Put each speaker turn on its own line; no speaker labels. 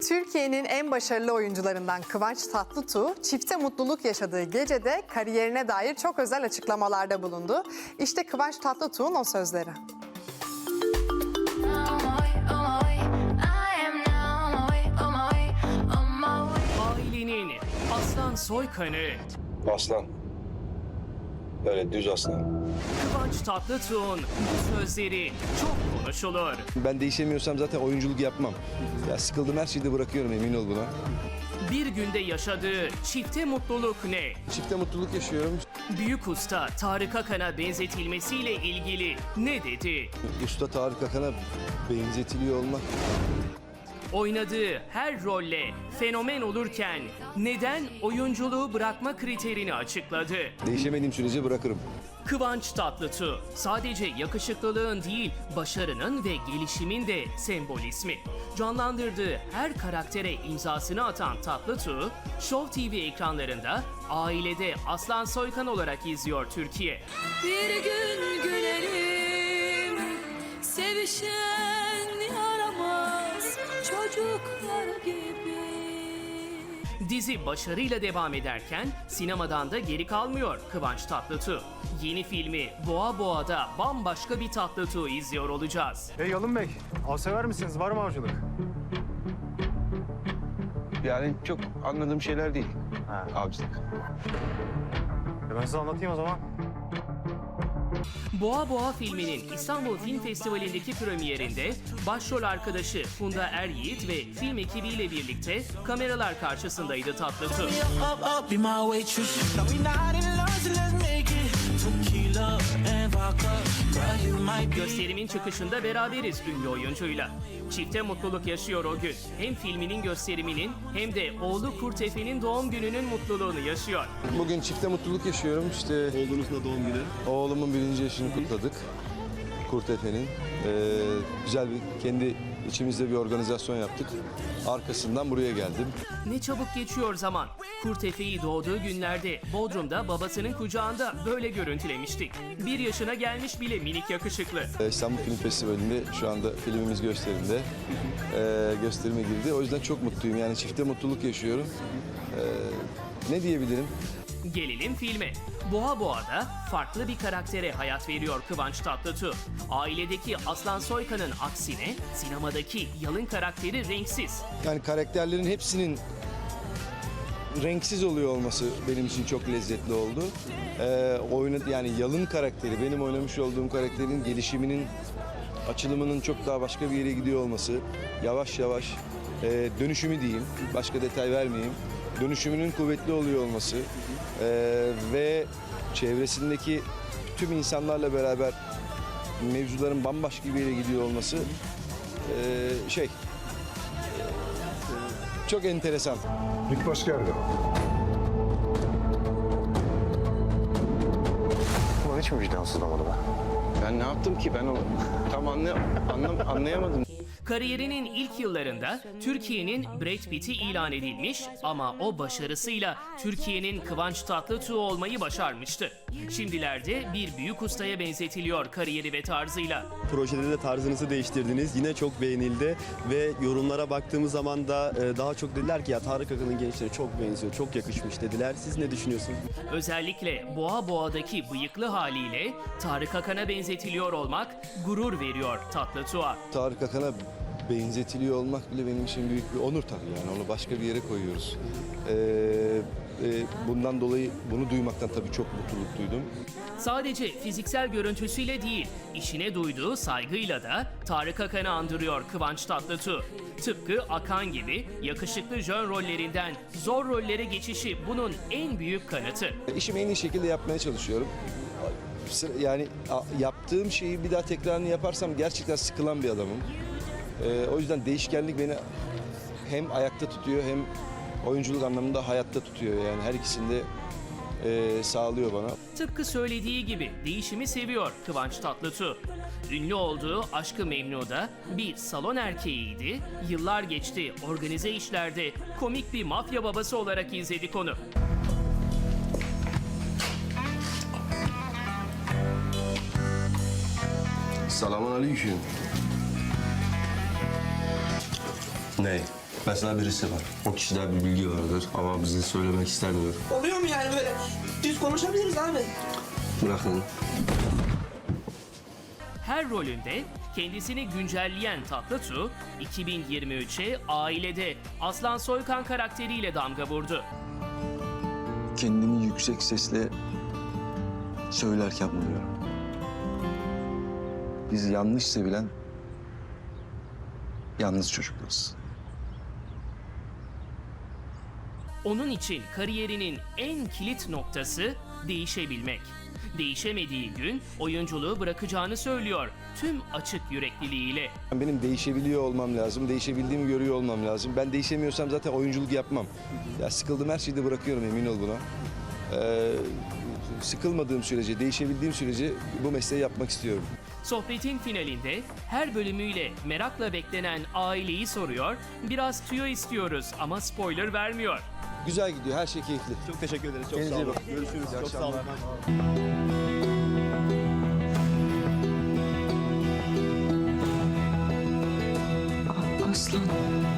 Türkiye'nin en başarılı oyuncularından Kıvanç Tatlıtuğ, çifte mutluluk yaşadığı gecede kariyerine dair çok özel açıklamalarda bulundu. İşte Kıvanç Tatlıtuğ'un o sözleri.
Ailenin aslan soykanı
Aslan. Böyle düz aslan.
Kıvanç Tatlıtuğ'un bu sözleri çok konuşulur.
Ben değişemiyorsam zaten oyunculuk yapmam. Ya sıkıldım, her şeyi de bırakıyorum, emin ol buna.
Bir günde yaşadığı çifte mutluluk ne?
Çifte mutluluk yaşıyorum.
Büyük usta Tarık Akan'a benzetilmesiyle ilgili ne dedi?
Usta Tarık Akan'a benzetiliyor olmak.
Oynadığı her rolle fenomen olurken neden oyunculuğu bırakma kriterini açıkladı?
Değişemediğim sürece bırakırım.
Kıvanç Tatlıtuğ sadece yakışıklılığın değil, başarının ve gelişimin de sembol ismi. Canlandırdığı her karaktere imzasını atan Tatlıtuğ, Show TV ekranlarında ailede Aslan Soykan olarak izliyor Türkiye.
Bir gün gülelim, sevişen yaramaz çocuklar gibi.
Dizi başarıyla devam ederken sinemadan da geri kalmıyor Kıvanç Tatlıtuğ. Yeni filmi Boğa Boğa'da bambaşka bir Tatlıtuğ izliyor olacağız.
Hey Yalın Bey, av sever misiniz? Var mı avcılık?
Yani çok anladığım şeyler değil. Avcılık.
Ben size anlatayım o zaman.
Boğa Boğa filminin İstanbul Film Festivali'ndeki premierinde başrol arkadaşı Funda Er-Yiğit ve film ekibiyle birlikte kameralar karşısındaydı Tatlıtuğ.
Up, up, be my waitress. No, we not in love, so let's make it. Tequila and vodka. Girl, you might be.
Gösterimin çıkışında beraberiz ünlü oyuncuyla. Çifte mutluluk yaşıyor o gün. Hem filminin gösteriminin hem de oğlu Kurtefe'nin doğum gününün mutluluğunu yaşıyor.
Bugün çifte mutluluk yaşıyorum. İşte
Oğlunuzun da doğum günü.
oğlumun 1. yaşını kutladık. Kurtefe'nin. Güzel bir, kendi içimizde bir organizasyon yaptık. Arkasından buraya geldim.
Ne çabuk geçiyor zaman. Kurtefe'yi doğduğu günlerde Bodrum'da babasının kucağında böyle görüntülemiştik. 1 yaşına gelmiş bile minik yakışıklı.
İstanbul Film Festivali'nde şu anda filmimiz gösterimde. Gösterime girdi. O yüzden çok mutluyum. Yani çifte mutluluk yaşıyorum. Ne diyebilirim?
Gelelim filme. Boğa Boğa'da farklı bir karaktere hayat veriyor Kıvanç Tatlıtuğ. Ailedeki Aslan Soykan'ın aksine sinemadaki Yalın karakteri renksiz.
Yani karakterlerin hepsinin renksiz oluyor olması benim için çok lezzetli oldu. Yani Yalın karakteri, benim oynamış olduğum karakterin gelişiminin, açılımının çok daha başka bir yere gidiyor olması, yavaş yavaş dönüşümü diyeyim, başka detay vermeyeyim, dönüşümünün kuvvetli oluyor olması ve çevresindeki tüm insanlarla beraber mevzuların bambaşka bir yere gidiyor olması çok enteresan.
İlk baş geldi.
Ulan hiç mi vicdansızlamadı be?
Ben ne yaptım ki? Ben onu tam anlayamadım.
Kariyerinin ilk yıllarında Türkiye'nin Brad Pitt'i ilan edilmiş ama o başarısıyla Türkiye'nin Kıvanç Tatlıtuğ olmayı başarmıştı. Şimdilerde bir büyük ustaya benzetiliyor kariyeri ve tarzıyla.
Projede de tarzınızı değiştirdiniz. Yine çok beğenildi ve yorumlara baktığımız zaman da daha çok dediler ki ya Tarık Akan'ın gençleri çok benziyor, çok yakışmış dediler. Siz ne düşünüyorsunuz?
Özellikle Boğa Boğa'daki bıyıklı haliyle Tarık Akan'a benzetiliyor olmak gurur veriyor Tatlıtuğ'a.
Tarık Akan'a benzetiliyor olmak bile benim için büyük bir onur tabii, yani onu başka bir yere koyuyoruz. Bundan dolayı bunu duymaktan tabii çok mutluluk duydum.
Sadece fiziksel görüntüsüyle değil, işine duyduğu saygıyla da Tarık Akan'ı andırıyor Kıvanç Tatlıtuğ. Tıpkı Akan gibi yakışıklı jön rollerinden zor rollere geçişi bunun en büyük kanıtı.
İşimi en iyi şekilde yapmaya çalışıyorum. Yani yaptığım şeyi bir daha tekrarını yaparsam gerçekten sıkılan bir adamım. O yüzden değişkenlik beni hem ayakta tutuyor hem oyunculuk anlamında hayatta tutuyor. Yani her ikisini de sağlıyor bana.
Tıpkı söylediği gibi değişimi seviyor Kıvanç Tatlıtuğ. Ünlü olduğu Aşk-ı Memnu'da bir salon erkeğiydi. Yıllar geçti, organize işlerde komik bir mafya babası olarak izledik onu.
Selamun aleyküm.
Ne?
Mesela birisi var. O kişide bir bilgi vardır ama bize söylemek istemiyor.
Oluyor mu yani böyle? Düz konuşabiliriz abi.
Bırakın.
Her rolünde kendisini güncelleyen Tatlıtuğ, 2023'e Ailede Aslan Soykan karakteriyle damga vurdu.
Kendimi yüksek sesle söylerken buluyorum. Biz yanlış sevilen yalnız çocuklarız.
Onun için kariyerinin en kilit noktası değişebilmek. Değişemediği gün oyunculuğu bırakacağını söylüyor tüm açık yürekliliğiyle.
Benim değişebiliyor olmam lazım, değişebildiğimi görüyor olmam lazım. Ben değişemiyorsam zaten oyunculuk yapmam. Ya sıkıldım, her şeyi de bırakıyorum, emin ol buna. Sıkılmadığım sürece, değişebildiğim sürece bu mesleği yapmak istiyorum.
Sohbetin finalinde her bölümüyle merakla beklenen aileyi soruyor, biraz tüyo istiyoruz ama spoiler vermiyor.
Güzel gidiyor, her şey keyifli.
Çok teşekkür ederiz. Çok
Kendinize
sağ
iyi
olun.
bakın.
Görüşürüz.
İyi
Çok sağ olun.
akşamlar.
Aslan.